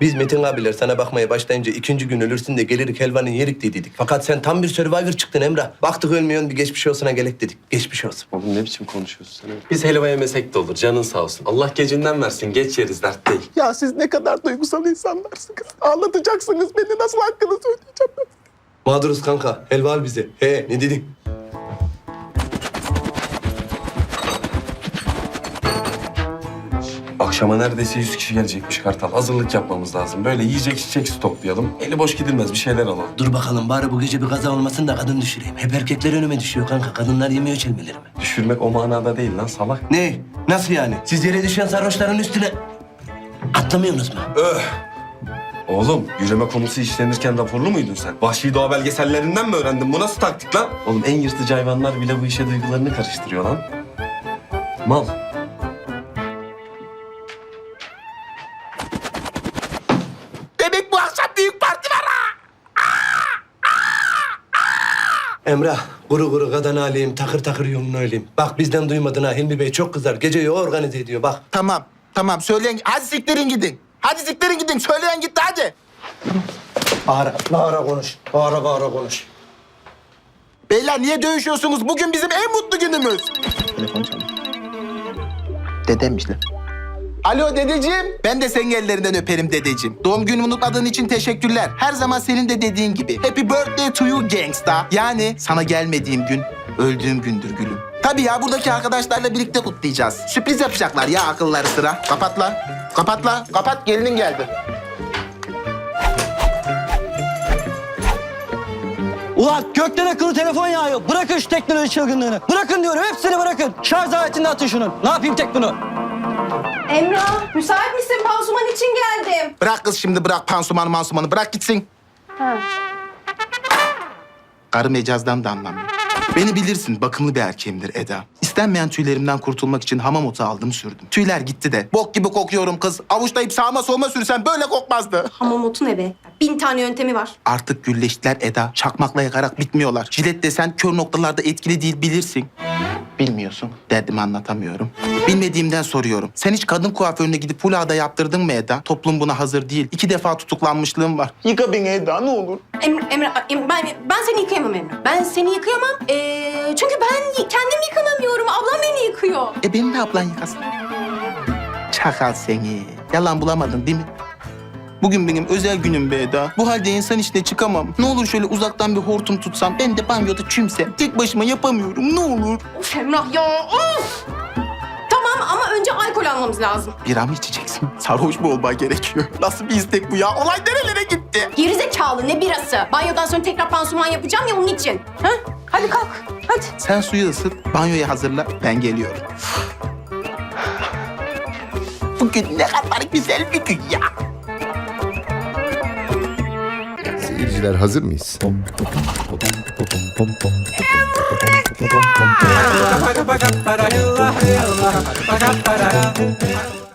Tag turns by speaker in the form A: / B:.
A: Biz Metin abiler sana bakmaya başlayınca ikinci gün ölürsün de gelirik helvanın yerik diye dedik. Fakat sen tam bir Survivor çıktın Emrah. Baktık ölmüyorsun, bir geçmiş olsuna gerek dedik. Geçmiş olsun.
B: Oğlum ne biçim konuşuyorsun sen? Biz helva yemesek de olur, canın sağ olsun. Allah gecinden versin, geç yeriz, dert değil.
C: Ya siz ne kadar duygusal insanlarsınız. Ağlatacaksınız beni, nasıl hakkınızı ödeyeceğim ben?
A: Mağduruz kanka. Helva al bize. He, ne dedin?
B: Akşama neredeyse 100 kişi gelecekmiş Kartal. Hazırlık yapmamız lazım. Böyle yiyecek içecek stoklayalım. Eli boş gidilmez, bir şeyler alalım.
A: Dur bakalım bari bu gece bir kaza olmasın da kadın düşüreyim. Hep erkekler önüme düşüyor kanka. Kadınlar yemiyor çelmelerimi.
B: Düşürmek o manada değil lan salak.
A: Ne? Nasıl yani? Siz yere düşen sarhoşların üstüne atlamıyorsunuz mu?
B: Oğlum, yürüme konusu işlenirken raporlu muydun sen? Vahşi doğa belgesellerinden mi öğrendin? Bu nasıl taktik lan? Oğlum en yırtıcı hayvanlar bile bu işe duygularını karıştırıyor lan. Mal.
C: Demek bu akşam büyük parti var ha!
A: Emrah, kuru kuru kadın alayım, takır takır yolunu öleyim. Bak bizden duymadın ha, Hilmi Bey çok kızar. Geceyi o organize ediyor bak.
C: Tamam söyleyin. Hadi siktirin gidin. Hadi siktirin gidin. Söyleyen gitti hadi.
A: Bağıra konuş. Bağıra konuş.
C: Beyler niye dövüşüyorsunuz? Bugün bizim en mutlu günümüz. Telefon çalıyor. Dedemmiş lan. Alo dedeciğim. Ben de senin ellerinden öperim dedeciğim. Doğum günümü unutmadığın için teşekkürler. Her zaman senin de dediğin gibi. Happy birthday to you gangsta. Yani sana gelmediğim gün, öldüğüm gündür gülüm. Tabii ya buradaki arkadaşlarla birlikte kutlayacağız. Sürpriz yapacaklar ya akılları sıra. Kapat lan. Kapat lan. Kapat gelinin geldi.
D: Ulan gökten akıllı telefon yağıyor. Bırakın şu teknoloji çılgınlığını. Bırakın diyorum, hepsini bırakın. Şarj aletini atın şunun. Ne yapayım tek bunu?
E: Emrah, müsait misin? Pansuman için geldim.
C: Bırak kız şimdi bırak pansumanı bırak gitsin.
E: Ha.
C: Karı mecazdan da anlamıyor. Beni bilirsin, bakımlı bir erkeğimdir Eda. İstenmeyen tüylerimden kurtulmak için hamam otu aldım sürdüm. Tüyler gitti de bok gibi kokuyorum kız. Avuçlayıp sağıma soluma sürsem böyle kokmazdı.
E: Hamam otu ne be? 1000 tane yöntemi var.
C: Artık gülleştiler Eda. Çakmakla yakarak bitmiyorlar. Jilet desen kör noktalarda etkili değil bilirsin. Bilmiyorsun. Derdimi anlatamıyorum. Bilmediğimden soruyorum. Sen hiç kadın kuaförüne gidip hulada yaptırdın mı Eda? Toplum buna hazır değil. 2 defa tutuklanmışlığım var. Yıka beni Eda ne olur.
E: Ben seni yıkayamam Emrah. Ben seni yıkayamam. Çünkü ben kendim yıkanamıyorum. Ablam beni yıkıyor.
C: Beni de ablan yıkasın. Çakal seni. Yalan bulamadın değil mi? Bugün benim özel günüm be Eda. Bu halde insan içine çıkamam. Ne olur şöyle uzaktan bir hortum tutsam, ben de banyoda çümsem. Tek başıma yapamıyorum, ne olur.
E: Of Emrah ya, of! Tamam ama önce alkol almamız lazım.
C: Bira mı içeceksin? Sarhoş mu olman gerekiyor? Nasıl bir istek bu ya? Olay nerelere gitti?
E: Gerizekalı ne birası? Banyodan sonra tekrar pansuman yapacağım ya onun için. Ha? Hadi kalk, hadi.
C: Sen suyu ısıt, banyoyu hazırla, ben geliyorum. Bugün ne kadar güzel bir gün ya.
F: Seyirciler hazır mıyız?